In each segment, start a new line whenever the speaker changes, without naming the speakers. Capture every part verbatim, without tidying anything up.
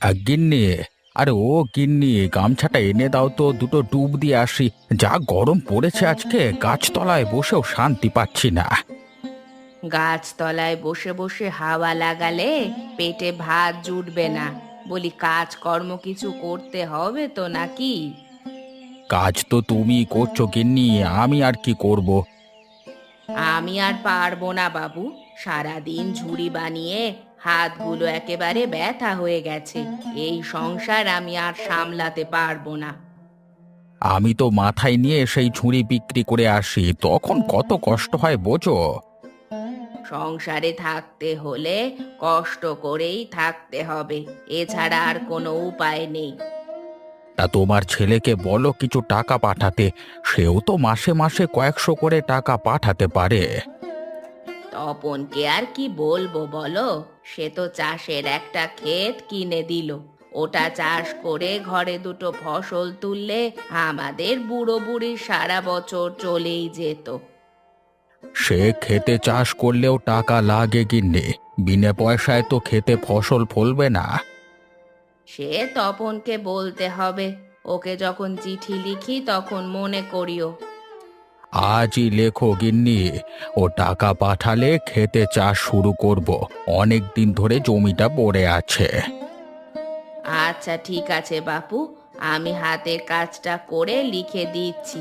আ, গিন্নি, আরে ও গিন্নি, গামছাটা এনে দাও তো, দুটো ডুব দিয়ে আসি। যা গরম পড়েছে আজকে, গাছতলায় বসেও শান্তি পাচ্ছি না।
গাছতলায় বসে বসে হাওয়া লাগালে পেটে ভাত জুটবে না। বলি, কাজকর্ম কিছু করতে হবে তো নাকি?
কাজ তো তুমি করছো গিন্নি, আমি আর কি করব।
আমি আর পারবো না বাবু। সারাদিন ঝুড়ি বানিয়ে হাতগুলো একেবারে ব্যথা হয়ে গেছে। এই সংসার আমি আর সামলাতে পারবো না।
আমি তো মাথায় নিয়ে সেই ঝুড়ি বিক্রি করে আসি, তখন কত কষ্ট হয় বোঝো।
সংসারে থাকতে হলে কষ্ট করেই থাকতে হবে, এছাড়া আর কোনো উপায় নেই।
তা তোমার ছেলেকে বলো কিছু টাকা পাঠাতে, সেও তো মাসে মাসে কয়েকশো করে টাকা পাঠাতে পারে।
তপনকে আর কি বলবো বলো? সে তো চাষের একটা ক্ষেত কিনে দিল। ওটা চাষ করে ঘরে দুটো ফসল তুললে আমাদের বুড়ো বুড়ির সারা বছর চলেই যেত।
সে খেতে চাষ করলেও টাকা লাগে গিন্নি, বিনা পয়সায় তো খেতে ফসল ফলবে না।
সে তপনকে বলতে হবে। ওকে যখন চিঠি লিখি তখন মনে করিও।
আজই লেখো গিন্নি, ও টাকা পাঠালে খেতে চাষ শুরু করব। অনেক দিন ধরে জমিটা পড়ে আছে।
আচ্ছা ঠিক আছে বাপু, আমি হাতের কাজটা করে লিখে দিচ্ছি।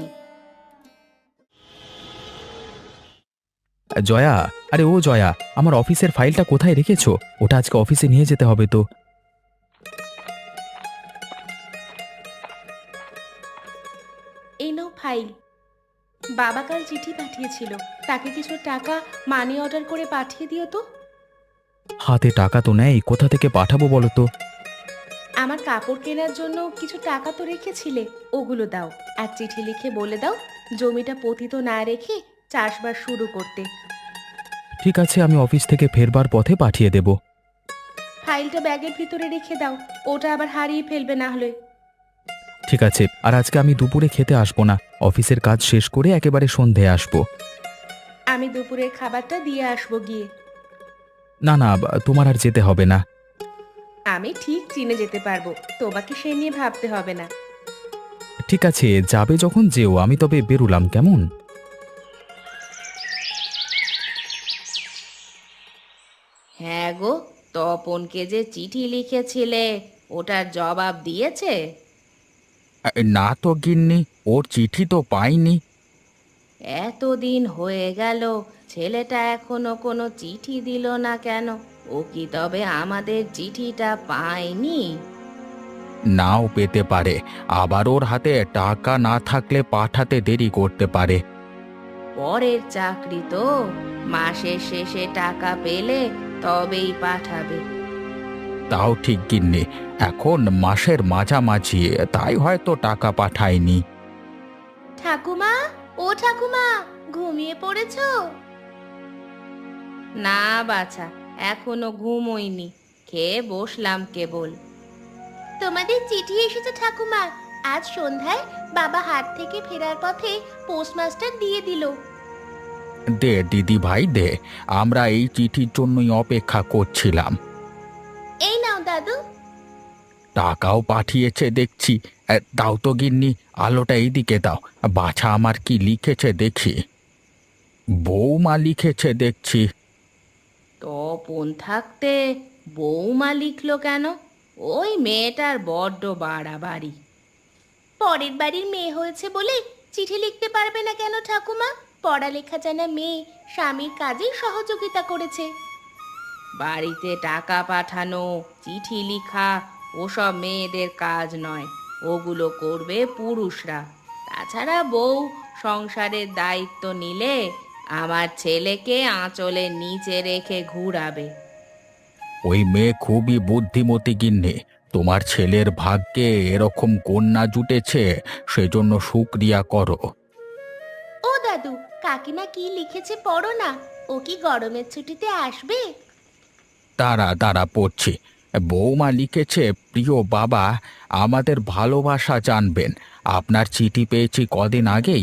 জয়া, আরে ও জয়া, আমার অফিসের ফাইলটা কোথায় রেখেছো? ওটা আজকে অফিসে নিয়ে যেতে হবে তো।
এই নাও ফাইল। বাবা কাল চিঠি পাঠিয়েছিল, তাকে কিছু টাকা মানি অর্ডার করে পাঠিয়ে দিও তো।
হাতে টাকা তো নেই, কোথা থেকে পাঠাবো বলো তো।
আমার কাপড় কেনার জন্য কিছু টাকা তো রেখেছিলে, ওগুলো দাও। আর চিঠি লিখে বলে দাও জমিটা পতিত না রেখে চাষবাস শুরু করতে।
ঠিক আছে, আমি অফিস থেকে ফেরবার পথে পাঠিয়ে দেব।
ফাইলটা ব্যাগের ভিতরে রেখে দাও, ওটা আবার হারিয়ে ফেলবে না হলে।
ঠিক আছে, আর আজকে আমি দুপুরে খেতে আসবো না, অফিসের কাজ শেষ করে একেবারে সন্ধে আসবো।
আমি দুপুরের খাবারটা দিয়ে আসবো গিয়ে।
না না, বা- তোমার আর যেতে হবে না।
আমি ঠিক চিনে যেতে পারবো, তোমাকে সে নিয়ে ভাবতে হবে না।
ঠিক আছে, যাবে যখন যেও, আমি তবে বেরুলাম কেমন।
হ্যাঁ গো, তপনকে যে চিঠি লিখেছিলে ওটার জবাব দিয়েছে?
আ, না তো গিন্নি, ওর চিঠি তো পাইনি।
এতদিন হয়ে গেল, ছেলেটা এখনো কোনো চিঠি দিল না কেন? ও কি তবে আমাদের চিঠিটা পায়নি?
নাও পেতে পারে, আবার ওর হাতে টাকা না থাকলে পাঠাতে দেরি করতে পারে।
পরের চাকরি তো, মাসের শেষে টাকা পেলে তবেই পাঠাবে।
তাও ঠিক গিন্নি, এখন মাসের মাঝামাঝি, তাই হয়তো টাকা পাঠায়নি।
ঠাকুমা, ও ঠাকুমা, ঘুমিয়ে পড়েছো? না বাছা, এখনো ঘুমোইনি, খেয়ে বসলাম কেবল। তোমাদের চিঠি এসেছে ঠাকুমা। আজ সন্ধ্যায় বাবা হাট থেকে ফেরার পথে পোস্টমাস্টার দিয়ে দিল।
দে দিদি ভাই দে, আমরা এই চিঠির জন্যই অপেক্ষা করছিলাম।
এই নাও দাদু।
টাকাও পাঠিয়েছে দেখছি। এ, দাও তো গিন্নি, আলোটা এইদিকে দাও, বাছা আমার কি লিখেছে দেখি। বৌমা লিখেছে দেখছি।
তপন থাকতে বৌমা লিখলো কেন? ওই মেয়েটার বড্ড বাড়াবাড়ি। পরের বাড়ির মেয়ে হয়েছে বলে চিঠি লিখতে পারবে না কেন ঠাকুমা? পড়ালেখা জানা মেয়ে স্বামীর কাজে সহযোগিতা করেছে। বাড়িতে টাকা পাঠানো, চিঠি লিখা ওসব মেয়েদের কাজ নয়, ওগুলো করবে পুরুষরা। তাছাড়া বউ সংসারের দায়িত্ব নিলে আমার ছেলেকে আঁচলের নিচে রেখে ঘুরাবে।
ওই মেয়ে খুবই বুদ্ধিমতী গিন্নি, তোমার ছেলের ভাগ্যে এরকম কন্যা জুটেছে, সেজন্য শুকরিয়া করো।
ও দাদু, কাকিমা কি লিখেছে পড়ো না। ও কি গরমের ছুটিতে আসবে?
তারা তারা পড়ছি। বৌমা লিখেছে, প্রিয় বাবা, আমাদের ভালোবাসা জানবেন। আপনার চিঠি পেয়েছি কদিন আগেই,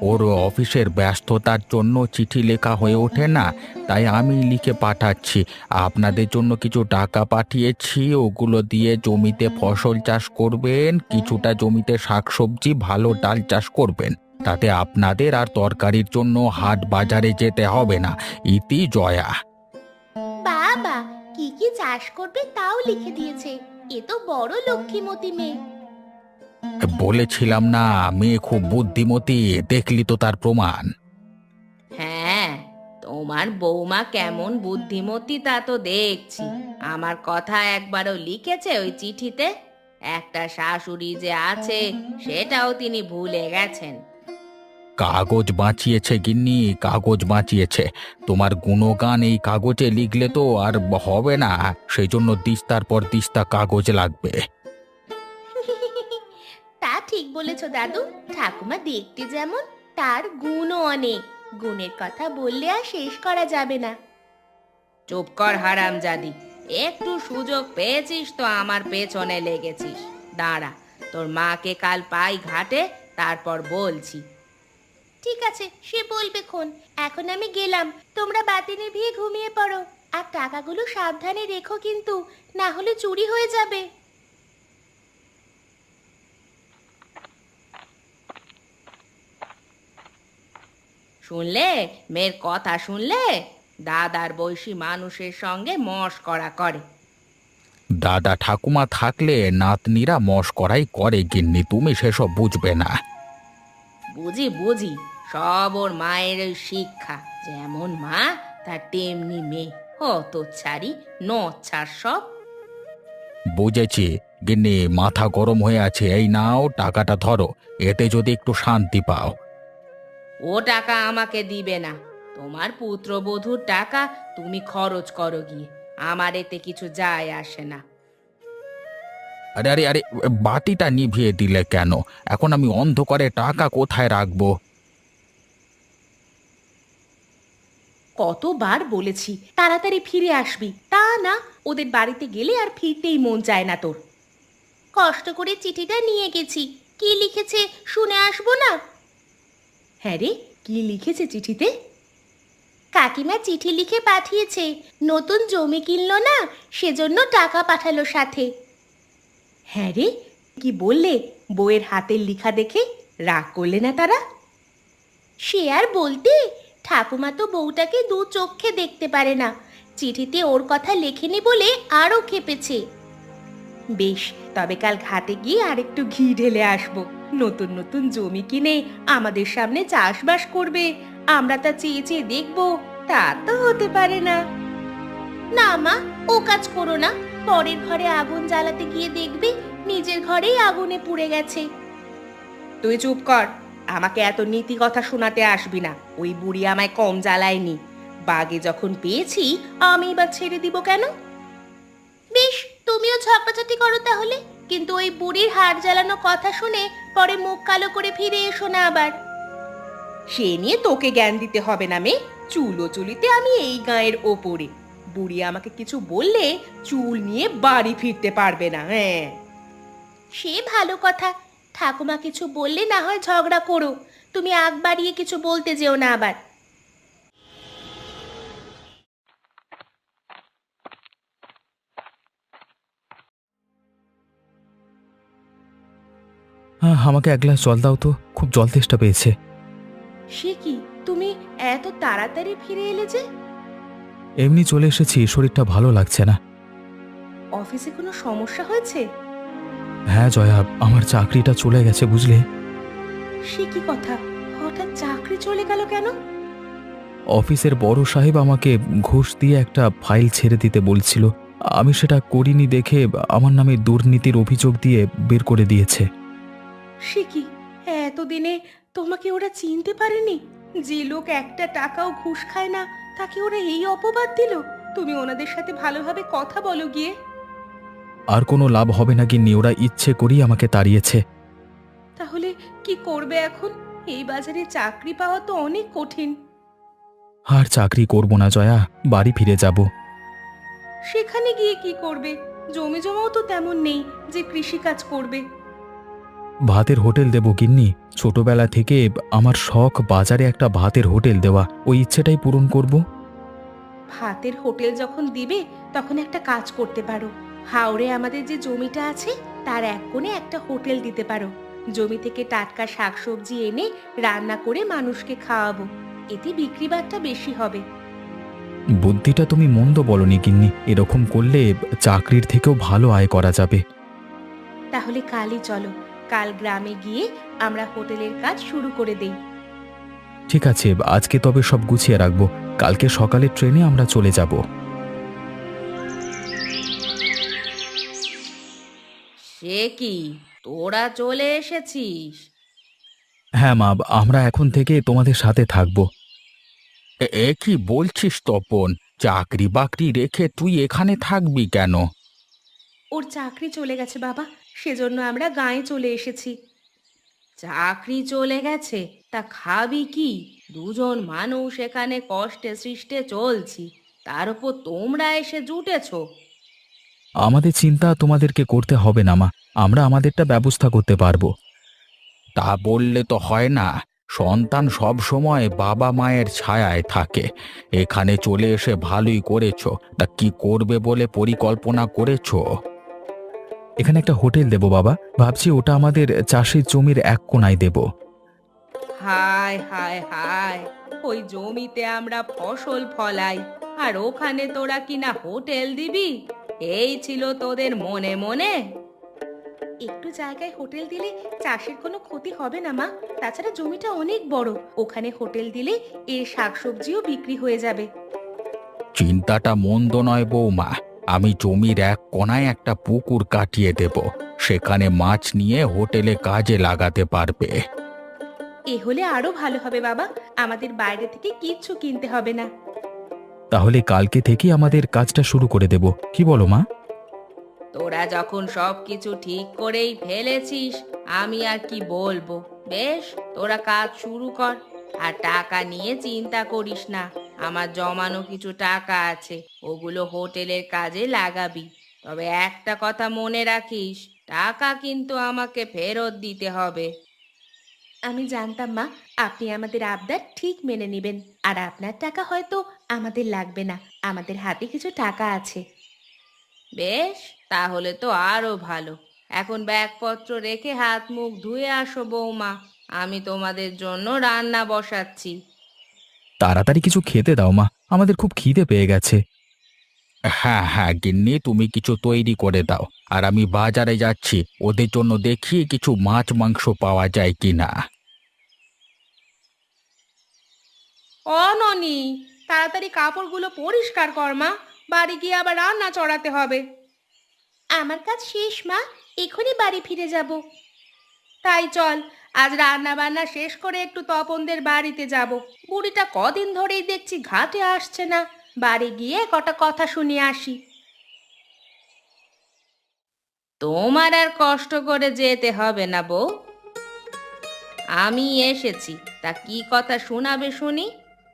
ওর অফিসের ব্যস্ততার জন্য চিঠি লেখা হয়ে ওঠে না, তাই আমি লিখে পাঠাচ্ছি। আপনাদের জন্য কিছু টাকা পাঠিয়েছি, ওগুলো দিয়ে জমিতে ফসল চাষ করবেন, কিছুটা জমিতে শাকসবজি ভালো ডাল চাষ করবেন। তাতে আপনাদের আর তরকারির জন্য হাট বাজারে যেতে হবে না। ইতি জয়া।
বাবা, কি কি চাষ করবে তাও লিখে দিয়েছে। এ তো বড় লক্ষ্মীমতী মেয়ে।
বলেছিলাম না মেয়ে খুব বুদ্ধিমতী, দেখলি তো তার প্রমাণ।
হ্যাঁ, তোমার বৌমা কেমন বুদ্ধিমতী তা তো দেখছি। আমার কথা একবারও লিখেছে ওই চিঠিতে? একটা শাশুড়ি যে আছে সেটাও তিনি ভুলে গেছেন।
কাগজ বাঁচিয়েছে গিন্নি, কাগজ বাঁচিয়েছে। তোমার গুণগান এই কাগজে লিখলে তো আর হবে না, সেই জন্য দিস্তার পর দিস্তা কাগজ লাগবে।
তা ঠিক বলেছ দাদু। ঠাকুমা দেখতে যেমন, তার গুণও অনেক। গুণের কথা বললে আর শেষ করা যাবে না। চুপ কর হারামজাদি, একটু সুযোগ পেয়েছিস তো আমার পেছনে লেগেছিস। দাঁড়া, তোর মাকে কাল পাই ঘাটে, তারপর বলছি। ঠিক আছে, সে বলবে খন। এখন আমি গেলাম, তোমরা বাতি নিভিয়ে ঘুমিয়ে পড়ো। আর টাকাগুলো সাবধানে রেখো কিন্তু, না হলে চুরি হয়ে যাবে। শুনলে মেয়ের কথা? শুনলে? দাদার বয়সী মানুষের সঙ্গে মশকরা করে।
দাদা ঠাকুমা থাকলে নাতনিরা মশকরাই করে গিন্নি, তুমি সেসব বুঝবে না।
বুঝি বুঝি, সব ওর মায়ের ওই শিক্ষা। যেমন মা তার তেমনি মেয়ে। হত ছাড়ি নচ্ছার সব।
বুঝেছি গিন্নি, মাথা গরম হয়ে আছে। এই নাও টাকাটা ধরো, এতে যদি একটু শান্তি পাও।
ও টাকা আমাকে দিবে না। তোমার পুত্রবধূর টাকা তুমি খরচ করো গিয়ে, আমার এতে কিছু যায় আসে না।
আরে আরে আরে, বাতিটা নিভিয়ে দিলে কেন? এখন আমি অন্ধকারে টাকা কোথায় রাখবো?
কতবার বলেছি তাড়াতাড়ি ফিরে আসবি, তা না। ওদের বাড়িতে গেলে আর ফিরতেই মন চায় না তোর। কষ্ট করে চিঠিটা নিয়ে গেছি, কি লিখেছে শুনে আসবো না? হ্যাঁ রে, কি লিখেছে চিঠিতে? কাকিমা চিঠি লিখে পাঠিয়েছে, নতুন জমি কিনলো না, সেজন্য টাকা পাঠালো সাথে। হ্যাঁ রে, কি বললে? বউয়ের হাতের লেখা দেখে রাগ করলে না তারা? সে আর বলতে, ঠাকুমা তো বউটাকে দু চোখে দেখতে পারে না। চিঠিতে ওর কথা লেখেনি বলে আরও খেপেছে। বেশ, তবে কাল ঘাটে গিয়ে আরেকটু ঘি ঢেলে আসবো। নতুন নতুন জমি কিনে আমাদের সামনে চাষবাস করবে, আমরা তা চেয়ে চেয়ে দেখবো। তা তো হতে পারে না। না মা, ও কাজ করো না। পরের ঘরে আগুন জ্বালাতে গিয়ে দেখবে নিজের ঘরেই আগুনে পুড়ে গেছে। তুই চুপ কর, আমাকে এত নীতি কথা শোনাতে আসবি না। ওই বুড়ি আমায় কম জ্বালায়নি। বাগে যখন পেয়েছি আমি এবার ছেড়ে দিব কেন? বেশ, তুমিও ঝগড়াঝাটি করো তাহলে, কিন্তু ওই বুড়ির হাড় জ্বালানো কথা শুনে পরে মুখ কালো করে ফিরে এসো না আবার। সে নিয়ে তোকে জ্ঞান দিতে হবে না মেয়ে। চুলো চুলিতে আমি এই গায়ের ওপরে। বুড়ি আমাকে কিছু বললে চুল নিয়ে বাড়ি ফিরতে পারবে না। হ্যাঁ, সে ভালো কথা। ঠাকুমা কিছু বললে না হয় ঝগড়া করো, তুমি আগ বাড়িয়ে কিছু বলতে যেও না আবার।
হ্যাঁ, আমাকে এক গ্লাস জল দাও তো, খুব জল তেষ্টা পেয়েছে।
সে কি, তুমি এত তাড়াতাড়ি ফিরে এলে যে?
এমনি চলে এসেছি, শরীরটা ভালো লাগছে না।
অফিসে কোনো সমস্যা হয়েছে?
হ্যাঁ জয়া, আমার চাকরিটা চলে গেছে বুঝলে।
সে কি কথা, হঠাৎ চাকরি চলে গেল কেন?
অফিসের বড় সাহেব আমাকে ঘুষ দিয়ে একটা ফাইল ছেড়ে দিতে বলছিল, আমি সেটা করিনি দেখে আমার নামে দুর্নীতির অভিযোগ দিয়ে বের করে দিয়েছে।
সে কি, এতদিনে তোমাকে ওরা চিনতে পারেনি? যে লোক একটা টাকাও ঘুষ খায় না, তাকে ওরা এই অপবাদ দিল। তুমি ওনাদের সাথে ভালোভাবে কথা বলো গিয়ে।
আর কোনো লাভ হবে না গিন্নি, ওরা ইচ্ছে করেই আমাকে তাড়িয়েছে।
তাহলে কি করবে এখন? এই বাজারে চাকরি পাওয়া তো অনেক কঠিন।
আর চাকরি করব না জয়া, বাড়ি ফিরে যাব।
সেখানে গিয়ে কি করবে? জমি জমাও তো তেমন নেই যে কৃষি কাজ করবে।
ভাতের হোটেল দেবো গিন্নি। ছোটবেলা থেকে আমার শখ বাজারে একটা ভাতের হোটেল দেওয়া, ওই ইচ্ছেটাই পূরণ করব।
ভাতের হোটেল যখন দিবে তখন একটা কাজ করতে পারো। হাওড়ে আমাদের যে জমিটা আছে তার এক কোণে একটা হোটেল দিতে পারো। জমি থেকে টাটকা শাকসবজি এনে রান্না করে মানুষকে খাওয়াবো। এতে বিক্রি বাট্টা বেশি হবে।
বুদ্ধিটা তুমি মন্দ বলনি গিন্নি, এরকম করলে চাকরির থেকেও ভালো আয় করা যাবে।
তাহলে কালই চলো, কাল গ্রামে গিয়ে আমরা হোটেলের কাজ শুরু করে দেই।
ঠিক আছে, আজকে তবে সব গুছিয়ে রাখবো, কালকে সকালে ট্রেনে আমরা চলে যাব।
সে কি, তোরা চলে এসেছিস?
হ্যাঁ মা, আমরা এখন থেকে তোমাদের সাথে থাকবো।
এ এ কি বলছিস তপন? চাকরি বাকরি রেখে তুই এখানে থাকবি কেন?
ওর চাকরি চলে গেছে বাবা, সেজন্য আমরা গাঁয়ে চলে এসেছি। চাকরি চলে গেছে? তা খাবি কি? দুজন মানুষ এখানে কষ্টে সৃষ্টে চলছি, তার উপর তোমরা এসে জুটেছো।
আমাদের চিন্তা তোমাদেরকে করতে হবে না মা, আমরা আমাদেরটা ব্যবস্থা করতে পারবো।
তা বললে তো হয় না। সন্তান সব সময় বাবা মায়ের ছায়ায় থাকে। এখানে চলে এসে ভালোই করেছো। তা কি করবে বলে পরিকল্পনা করেছো?
এখানে একটা হোটেল দেবো বাবা, ভাবছি ওটা আমাদের চাষের জমির এক কোণায় দেব।
হায় হায় হায়, ওই জমিতে আমরা ফসল ফলাই, আর ওখানে তোরা কিনা হোটেল দিবি? এই ছিল তোদের মনে মনে? একটু জায়গায় হোটেল দিলে চাষের কোনো ক্ষতি হবে না মা। তাছাড়া জমিটা অনেক বড়, ওখানে হোটেল দিলে এর শাকসবজিও বিক্রি হয়ে যাবে।
চিন্তাটা মন্দ নয় বৌমা। আমি জমির এক কোণায় একটা পুকুর কাটিয়ে দেব। সেখানে মাছ নিয়ে হোটেলে কাজে লাগাতে পারবে।
এ হলে আরো ভালো হবে বাবা, আমাদের বাইরে থেকে কিচ্ছু কিনতে হবে না।
তাহলে কালকে থেকে আমাদের কাজটা শুরু করে দেব, কি বলো মা?
তোরা যখন সব কিছু ঠিক করেই ফেলেছিস, আমি আর কি বলবো। বেশ, তোরা কাজ শুরু কর। আর টাকা নিয়ে চিন্তা করিস না, আমার জমানো কিছু টাকা আছে, ওগুলো হোটেলের কাজে লাগাবি। তবে একটা কথা মনে রাখিস, টাকা কিন্তু আমাকে ফেরত দিতে হবে। আমি জানতাম মা, আপনি আমাদের আবদার ঠিক মেনে নেবেন। আর আপনার টাকা হয়তো আমাদের লাগবে না, আমাদের হাতে কিছু টাকা আছে। বেশ, তাহলে তো আরো ভালো। এখন ব্যাগপত্র রেখে হাত মুখ ধুয়ে আসো বৌমা, আমি তোমাদের জন্য রান্না বসাচ্ছি।
তাড়াতাড়ি কিছু খেতে দাও মা, আমাদের খুব খিদে পেয়ে গেছে।
হ্যাঁ হ্যাঁ গিন্নি, তুমি কিছু তৈরি করে দাও। আর আমি বাজারে যাচ্ছি, ওদের জন্য দেখি কিছু মাছ মাংস পাওয়া যায় কিনা।
অননি, তাড়াতাড়ি কাপড়গুলো পরিষ্কার কর মা, বাড়ি গিয়ে আবার রান্না চড়াতে হবে। আমার কাজ শেষ মা, এখনই বাড়ি ফিরে যাব। তাই চল, আজ রান্না বান্না শেষ করে একটু তপনদের বাড়িতে যাব। বুড়িটা কদিন ধরেই দেখছি ঘাটে আসছে না, বাড়ি গিয়ে কটা কথা শুনিয়ে আসি। তোমার আর কষ্ট করে যেতে হবে না বউ, আমি এসেছি। তা কি কথা শোনাবে শুনি?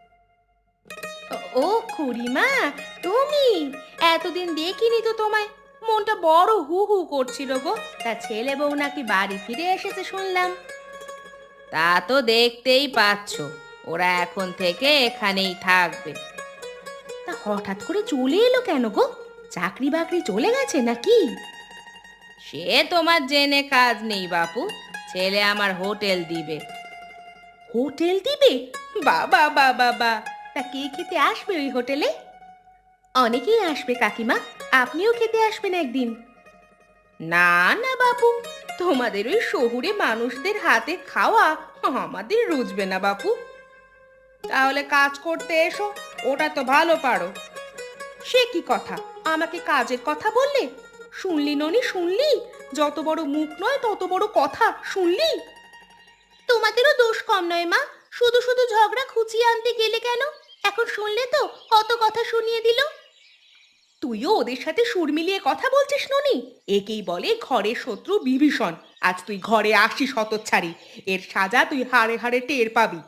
ও খুড়িমা, তুমি? এতদিন দেখিনি তো তোমায়, মনটা বড় হু হু করছিল গো। তা ছেলে বউ নাকি বাড়ি ফিরে এসেছে শুনলাম। তা তো দেখতেই পাচ্ছ, ওরা এখন থেকে এখানেই থাকবে। তা হঠাৎ করে চলে এলো কেন গো? চাকরি বাকরি চলে গেছে নাকি? সে তোমার জেনে কাজ নেই বাপু, ছেলে আমার হোটেল দিবে। হোটেল দিবে? বাবা বাবা বা, তা কে খেতে আসবে ওই হোটেলে? অনেকেই আসবে কাকিমা, আপনিও খেতে আসবেন একদিন। না না বাপু, তোমাদের ওই শহুরে মানুষদের হাতে খাওয়া আমাদের রুচবে না বাপু। তাহলে কাজ করতে এসো, ওটা তো ভালো পারো। সে কি কথা, আমাকে কাজের কথা বললে? শুনলি ননি, শুনলি? যত বড় মুখ নয় তত বড় কথা, শুনলি? তোমাদেরও দোষ কম নয় মা, শুধু শুধু ঝগড়া খুঁচিয়ে আনতে গেলে কেন? এখন শুনলে তো কত কথা শুনিয়ে দিল। তুইও ওদের সাথে সুর মিলিয়ে কথা বলছিস ননি? একেই বলে ঘরের শত্রু বিভীষণ। আজ তুই ঘরে আসিস হতচ্ছাড়ি, এর সাজা তুই হাড়ে হাড়ে টের পাবি।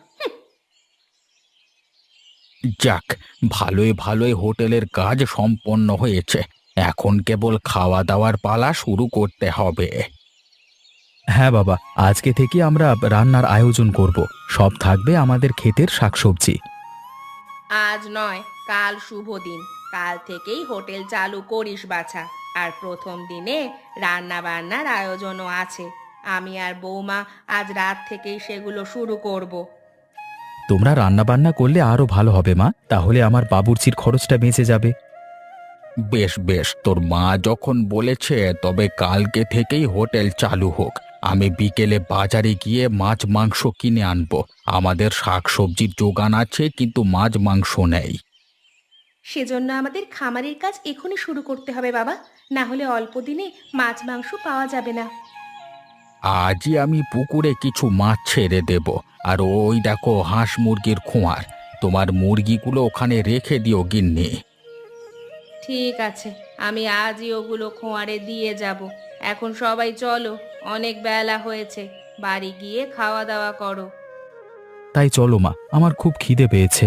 যাক, ভালোই ভালোই হোটেলের কাজ সম্পন্ন হয়েছে। এখন কেবল খাওয়া দাওয়ার পালা শুরু করতে হবে।
হ্যাঁ বাবা, আজকে থেকে আমরা রান্নার আয়োজন করব। সব থাকবে আমাদের ক্ষেতের শাকসবজি।
আজ নয়, কাল শুভ দিন। কাল থেকেই হোটেল চালু করিস বাছা। আর প্রথম দিনে রান্না বান্নার আয়োজনও আছে। আমি আর বৌমা আজ রাত থেকেই সেগুলো শুরু করব।
তোমরা রান্না বান্না করলে আরো ভালো হবে মা, তাহলে আমার বাবুর্চির খরচটা বেঁচে যাবে।
বেশ বেশ, তোর মা যখন বলেছে তবে কালকে থেকেই হোটেল চালু হোক। আমি বিকেলে বাজারে গিয়ে মাছ মাংস কিনে আনবো। আমাদের শাকসবজির যোগান আছে, কিন্তু মাছ মাংস নেই।
সেজন্য আমাদের খামারের কাজ এখনই শুরু করতে হবে বাবা, না হলে অল্প দিনে মাছ মাংস পাওয়া যাবে না।
আজই আমি পুকুরে কিছু মাছ ছেড়ে দেব। আর ওই দেখো হাঁস মুরগির খোঁয়ার, তোমার মুরগিগুলো ওখানে রেখে দিও গিন্নি।
ঠিক আছে, আমি আজই ওগুলো খোঁয়ারে দিয়ে যাব। এখন সবাই চলো, অনেক বেলা হয়েছে। বাড়ি গিয়ে খাওয়া দাওয়া করো।
তাই চলো মা, আমার খুব খিদে পেয়েছে।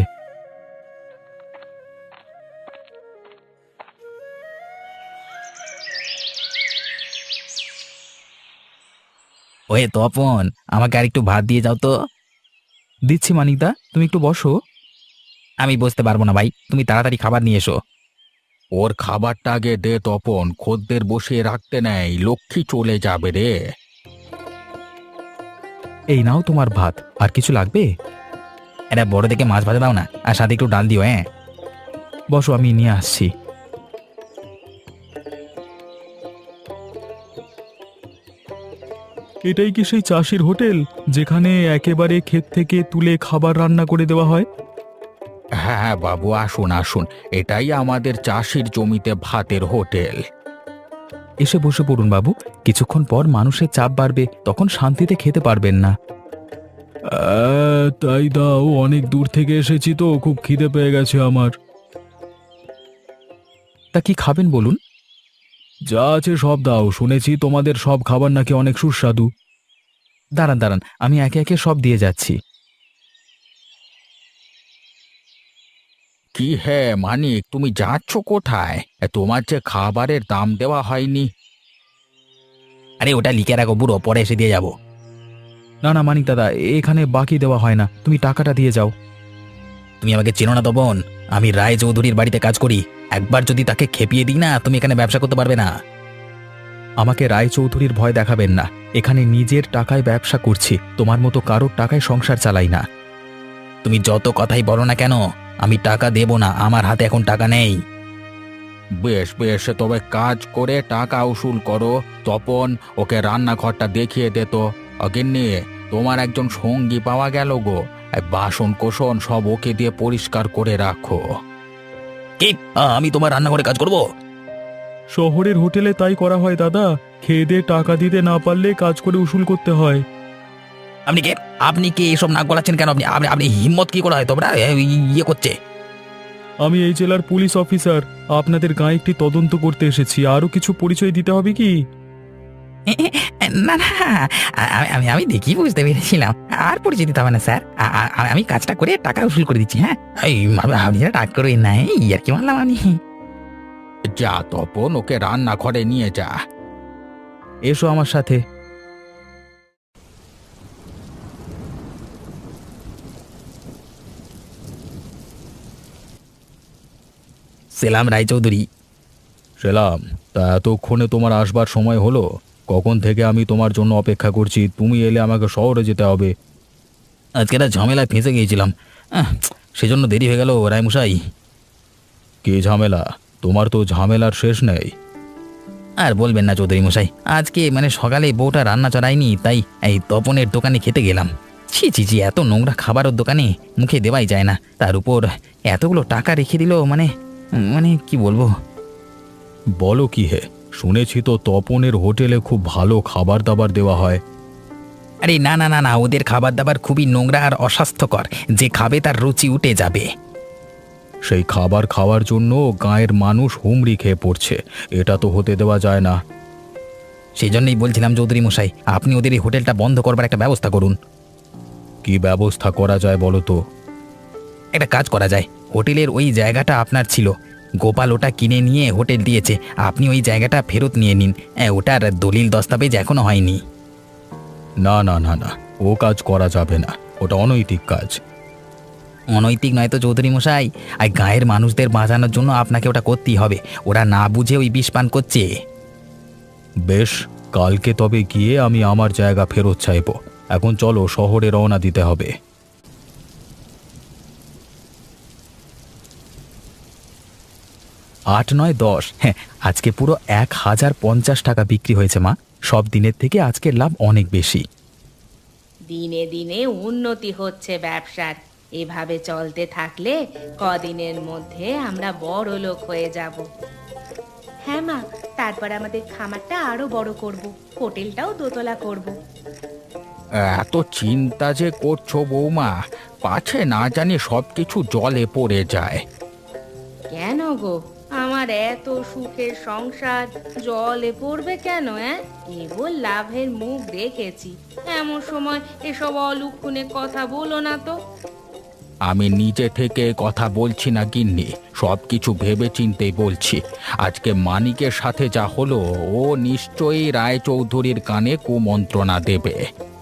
ওয়ে তপন, আমাকে আর একটু ভাত দিয়ে যাও তো।
দিচ্ছি মানিকদা, তুমি একটু বসো।
আমি বসতে পারবো না ভাই, তুমি তাড়াতাড়ি খাবার নিয়ে এসো।
ওর খাবারটা আগে দে তপন, খদ্দের বসিয়ে রাখতে নেই, লক্ষ্মী চলে যাবে রে।
এই নাও তোমার ভাত। আর কিছু লাগবে?
এটা বড় দেখে মাছ ভাজা দাও না, আর সাথে একটু ডাল দিও। হ্যাঁ,
বসো, আমি নিয়ে আসছি। এটাই কি সেই চাষির হোটেল, যেখানে একেবারে ক্ষেত থেকে তুলে খাবার রান্না করে দেওয়া হয়?
হ্যাঁ হ্যাঁ বাবু, আসুন আসুন, এটাই আমাদের চাষির জমিতে ভাতের হোটেল।
এসে বসে পড়ুন বাবু, কিছুক্ষণ পর মানুষের চাপ বাড়বে, তখন শান্তিতে খেতে পারবেন না। তাই দাও, অনেক দূর থেকে এসেছি তো, খুব খিদে পেয়ে গেছে আমার। তা কি খাবেন বলুন? যা আছে সব দাও, শুনেছি তোমাদের সব খাবার নাকি অনেক সুস্বাদু। দাঁড়ান দাঁড়ান, আমি একে একে সব দিয়ে যাচ্ছি।
কি হে মানিক, তুমি যাচ্ছ কোথায়? এ, তোমার যে খাবারের দাম দেওয়া হয়নি।
আরে ওটা লিখে রাখো বুড়ো, পরে এসে দিয়ে যাবো।
না না মানিক দাদা, এখানে বাকি দেওয়া হয় না, তুমি টাকাটা দিয়ে যাও।
তুমি আমাকে চেনো না তপন, আমি রায় চৌধুরীর বাড়িতে কাজ করি। একবার যদি তাকে খেপিয়ে দিই না, তুমি এখানে ব্যবসা করতে পারবে না।
আমাকে রায়চৌধুরীর ভয় দেখাবেন না, এখানে নিজের টাকায় ব্যবসা করছি, তোমার মতো কারোর টাকায় সংসার চালাই না।
তুমি যত কথাই বলো না কেন, আমি টাকা দেব না, আমার হাতে এখন টাকা নেই।
বেশ বেশ, তবে কাজ করে টাকা উসুল করো। তপন, ওকে রান্নাঘরটা দেখিয়ে দে তো। অগিন্নি, তোমার একজন সঙ্গী পাওয়া গেল গো। এই বাসন কোসন সব ওকে দিয়ে পরিষ্কার করে রাখো।
কি, আমি তোমার রান্নাঘরে কাজ করব?
শহরের হোটেলে তাই করা হয় দাদা, খেয়ে দিয়ে টাকা দিতে না পারলে কাজ করে উসুল করতে হয়।
আপনি কে? আপনি কি এসব নাক গলাচ্ছেন কেন? আপনি আপনি আপনি হিম্মত কি করে হয় তোমরা ইয়ে করছে?
আমি এই জেলার পুলিশ অফিসার, আপনাদের গায়ে একটি তদন্ত করতে এসেছি। আরো কিছু পরিচয় দিতে হবে কি?
না না, আমি আমি আমি দেখি বুঝতে পেরেছিলাম। আর পরিচয় দিতে হবে না স্যার, আ- আ- আমি কাজটা করে টাকা উসুল করে দিচ্ছি। হ্যাঁ, এই আপনি টাক করবেন না, এই আর কি মানলাম আমি।
যা তপন, ওকে রান্নাঘরে নিয়ে যা।
এসো আমার সাথে।
সেলাম রায়চৌধুরী।
সেলাম। তা এতক্ষণে তোমার আসবার সময় হলো? কখন থেকে আমি তোমার জন্য অপেক্ষা করছি, তুমি এলে আমাকে শহরে যেতে হবে।
আজকে একটা ঝামেলায় ফেঁসে গিয়েছিলাম, আহ, সেজন্য দেরি হয়ে গেল রায়মশাই।
কি ঝামেলা? তোমার তো ঝামেলার শেষ নেই।
আর বলবেন না চৌধুরী মশাই, আজকে মানে সকালে বউটা রান্না চড়ায়নি, তাই এই তপনের দোকানে খেতে গেলাম। ছি ছি ছি, এত নোংরা খাবার ওর দোকানে মুখে দেওয়াই যায় না, তার উপর এতগুলো টাকা রেখে দিল, মানে মানে কি বলবো।
বলো কি হে, শুনেছি তো তপনের হোটেলে খুব ভালো খাবার দাবার দেওয়া হয়।
আরে না না না না, ওদের খাবার দাবার খুবই নোংরা আর অস্বাস্থ্যকর, যে খাবে তার রুচি উঠে যাবে।
সেই খাবার খাওয়ার জন্য গাঁয়ের মানুষ হুমড়ি খেয়ে পড়ছে, এটা তো হতে দেওয়া যায় না।
সেই জন্যই বলছিলাম চৌধুরী মশাই, আপনি ওদের এই হোটেলটা বন্ধ করবার একটা ব্যবস্থা করুন।
কি ব্যবস্থা করা যায় বলো তো?
একটা কাজ করা যায়, হোটেলের ওই জায়গাটা আপনার ছিল, গোপাল ওটা কিনে নিয়ে হোটেল দিয়েছে, আপনি ওই জায়গাটা ফেরত নিয়ে নিন। হ্যাঁ, ওটার দলিল দস্তাবেজ এখনো হয়নি।
না না না না, ও কাজ করা যাবে না, ওটা অনৈতিক কাজ।
অনৈতিক নয় তো চৌধুরী মশাই, আর গায়ের মানুষদের বাঁচানোর জন্য আপনাকে ওটা করতেই হবে। ওরা না বুঝে ওই বিষ পান করছে।
বেশ, কালকে তবে গিয়ে আমি আমার জায়গা ফেরত চাইব। এখন চলো, শহরে রওনা দিতে হবে। আট নয় দশ, হ্যাঁ আজকে পুরো এক হাজার পঞ্চাশ টাকা বিক্রি হয়েছে মা। সব দিনের থেকে আজকের লাভ অনেক বেশি।
দিনে দিনে উন্নতি হচ্ছে ব্যবসার। এভাবে চলতে থাকলে কদিনের মধ্যে আমরা বড় লোক হয়ে যাব। হ্যাঁ মা, তারপর আমাদের খামারটা আরো বড় করব, হোটেলটাও দোতলা করব।
এত চিন্তা যে করছো বৌমা, পাছে না জানি সব কিছু জলে পড়ে যায়।
কেন গো, আমার এত সুখের সংসার জলে পড়বে কেন? হ্যাঁ, কেবল লাভের মুখ দেখেছি। এমন সময় এসব অলুক্ষণে কথা বলো না তো।
আমি নিজে থেকে কথা বলছি না গিন্নি, সব কিছু ভেবে চিন্তেই বলছি। আজকে মানিকের সাথে যা হলো, ও নিশ্চয়ই রায়চৌধুরীর কানে কুমন্ত্রণা দেবে।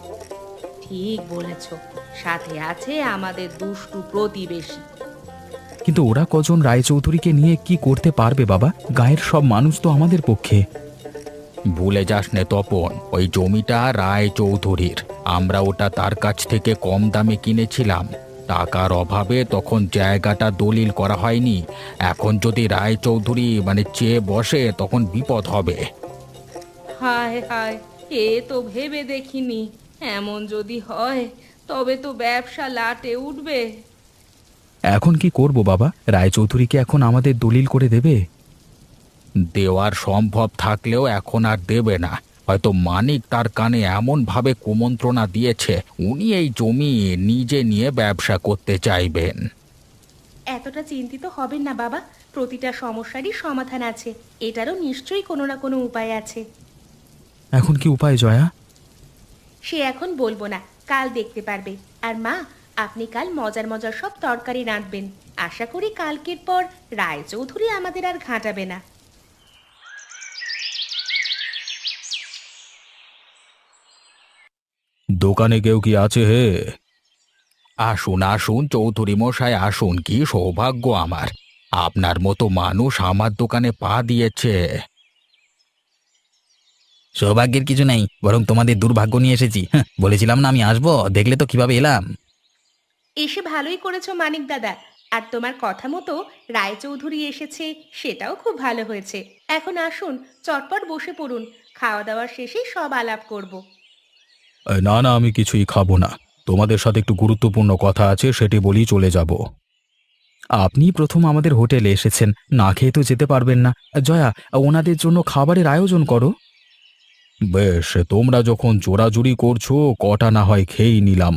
ঠিক বলেছ, সাথে আছে আমাদের দুষ্টু প্রতিবেশী।
কিন্তু ওরা কজন রায়চৌধুরীকে নিয়ে কি করতে পারবে বাবা? গায়ের সব মানুষ তো আমাদের পক্ষে।
ভুলে যাস নে তপন, ওই জমিটা রায়চৌধুরীর। আমরা ওটা তার কাছ থেকে কম দামে কিনেছিলাম। টাকার অভাবে তখন জায়গাটা দলিল করা হয়নি। এখন যদি রায়চৌধুরী মানে চেয়ে বসে, তখন বিপদ হবে।
হায় হায়, এ তো ভেবে দেখিনি। এমন যদি হয় তবে তো ব্যবসা লাটে উঠবে।
এখন কি করব বাবা? রায়চৌধুরীকে এখন আমাদের দলিল করে দেবে?
দেওয়ার সম্ভব থাকলেও এখন আর দেবে না। হয়তো মানিক তার কানে এমন ভাবে কুমন্ত্রণা দিয়েছে, উনি এই জমি নিজে নিয়ে ব্যবসা করতে চাইবেন।
এতটা চিন্তিত হবেন না বাবা, প্রতিটা সমস্যারই সমাধান আছে। এটারও নিশ্চয়ই কোনো না কোনো উপায় আছে।
এখন কি উপায় জয়া?
সে এখন বলবো না, কাল দেখতে পারবে। আর মা, আপনি কাল মজার মজার সব তরকারি রাঁধবেন। আশা করি কালকের পর রায়চৌধুরী আমাদের আর ঘাঁটাবে না।
দোকানে কেউ কি আছে হে?
আসুন আসুন চৌধুরী মশাই, আসুন। কি সৌভাগ্য আমার, আপনার মতো মানুষ আমার দোকানে পা দিয়েছে।
সৌভাগ্যের কিছু নেই, বরং তোমাদের দুর্ভাগ্য নিয়ে এসেছি। হ্যাঁ, বলেছিলাম না আমি আসবো, দেখলে তো কিভাবে এলাম।
এসে ভালোই করেছো মানিক দাদা। আর তোমার কথা মতো রায়চৌধুরী এসেছে, সেটাও খুব ভালো হয়েছে। এখন আসুন, চটপট বসে পড়ুন। খাওয়া দাওয়ার শেষে সব আলাপ করব।
এ, না না, আমি কিছুই খাবো না। তোমাদের সাথে একটু গুরুত্বপূর্ণ কথা আছে, সেটি বলি চলে যাব। আপনি প্রথম আমাদের হোটেলে এসেছেন, না খেয়ে তো যেতে পারবেন না। জয়া, ওনাদের জন্য খাবারের আয়োজন করো। বেশ, তোমরা যখন জোরাজুরি করছো, কটা না হয় খেয়েই নিলাম।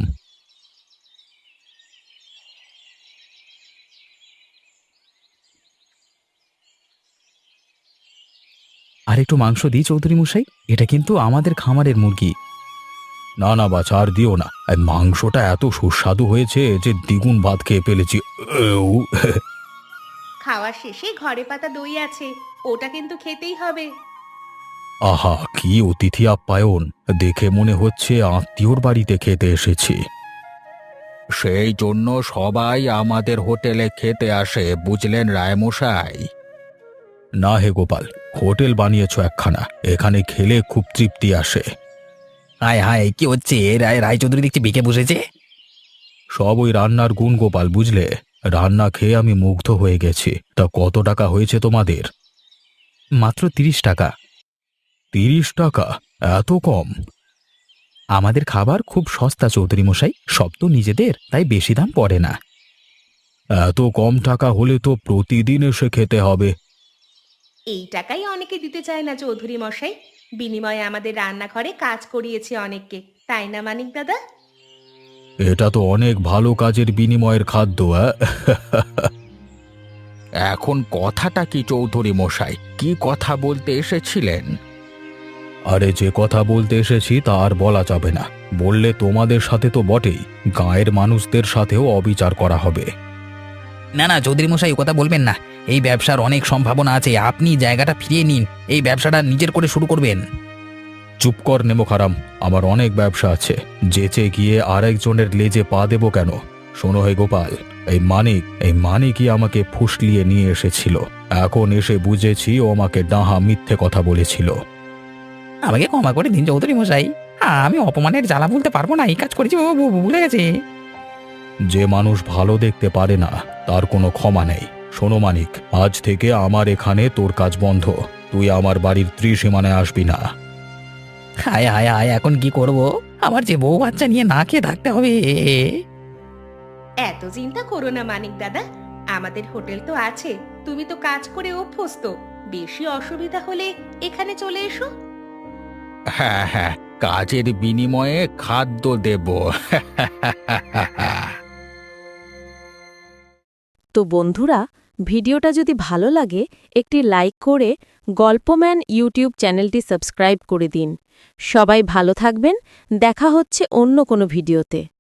আর একটু মাংস দিই চৌধুরী মশাই, এটা কিন্তু আমাদের খামারের মুরগি। না না বাছা, আর দিও না। এই মাংসটা এত সুস্বাদু হয়েছে যে দ্বিগুণ ভাত খেয়ে ফেলেছি। এউ।
খাওয়ার শেষে ঘরে পাতা দই আছে, ওটা কিন্তু খেতেই হবে।
আহা, কি অতিথি আপ্যায়ন! দেখে মনে হচ্ছে আত্মীয়র বাড়িতে খেতে এসেছি।
সেই জন্য সবাই আমাদের হোটেলে খেতে আসে, বুঝলেন রায়মশাই?
না হে গোপাল, হোটেল বানিয়েছ একখানা, এখানে খেলে খুব তৃপ্তি আসে।
হায় হায়, কি হচ্ছে? রায় রায়চৌধুরী দেখছি বেঁকে বসেছে।
সব ওই রান্নার গুণ গোপাল, বুঝলে? রান্না খেয়ে আমি মুগ্ধ হয়ে গেছি। তা কত টাকা হয়েছে তোমাদের? মাত্র তিরিশ টাকা। তিরিশ টাকা? এত কম? আমাদের খাবার খুব সস্তা চৌধুরী মশাই, সব তো নিজেদের, তাই বেশি দাম পড়ে না। এত কম টাকা হলে তো প্রতিদিন এসে খেতে হবে।
এই টাকাই অনেকে দিতে চায় না চৌধুরী মশাই। বিনিময়ে আমাদের রান্নাঘরে কাজ করিয়েছে অনেককে, তাই না মানিক দাদা?
এটা তো অনেক ভালো কাজের বিনিময়ের খাদ্য। অ্যাঁ?
এখন কথাটা কি চৌধুরী মশাই? কি কথা বলতে এসেছিলেন?
আরে, যে কথা বলতে এসেছি তা আর বলা যাবে না। বললে তোমাদের সাথে তো বটেই, গাঁয়ের মানুষদের সাথেও অবিচার করা হবে।
না না চৌধুরী মশাই, ও কথা বলবেন না। এই ব্যবসার অনেক সম্ভাবনা আছে, আপনি জায়গাটা ফিরিয়ে নিন, এই ব্যবসাটা নিজের করে শুরু করবেন।
চুপ কর নেমোখারাম, আমার অনেক ব্যবসা আছে, যেচে গিয়ে আরেকজনের লেজে পা দেবো কেন? শোনো হে গোপাল, এই মানিক এই মানিকই আমাকে ফুসলিয়ে নিয়ে এসেছিল। এখন এসে বুঝেছি ও আমাকে ডাহা মিথ্যে কথা বলেছিল।
আমাকে ক্ষমা করে দিন চৌধুরী মশাই, আমি অপমানের জ্বালা বলতে পারবো না, এই কাজ করেছি ও ভু- ভুলে গেছে।
যে মানুষ ভালো দেখতে পারে না তার কোনো ক্ষমা নেই। শোনো মানিক, আজ থেকে আমার এখানে তোর কাজ বন্ধ, তুই আমার বাড়ির ত্রিসীমানায় আসবি না।
হায় হায় হায়, এখন কি করব? আমার যে বউ বাচ্চা নিয়ে না খেয়ে থাকতে হবে।
এত চিন্তা করো না মানিক দাদা, আমাদের হোটেল তো আছে, তুমি তো কাজ করে অভ্যস্ত, বেশি অসুবিধা হলে এখানে চলে এসো।
হ্যাঁ হ্যাঁ, কাজের বিনিময়ে খাদ্য দেব।
তো বন্ধুরা, ভিডিওটা যদি ভালো লাগে একটি লাইক করে গল্পম্যান ইউটিউব চ্যানেলটি সাবস্ক্রাইব করে দিন। সবাই ভালো থাকবেন, দেখা হচ্ছে অন্য কোনো ভিডিওতে।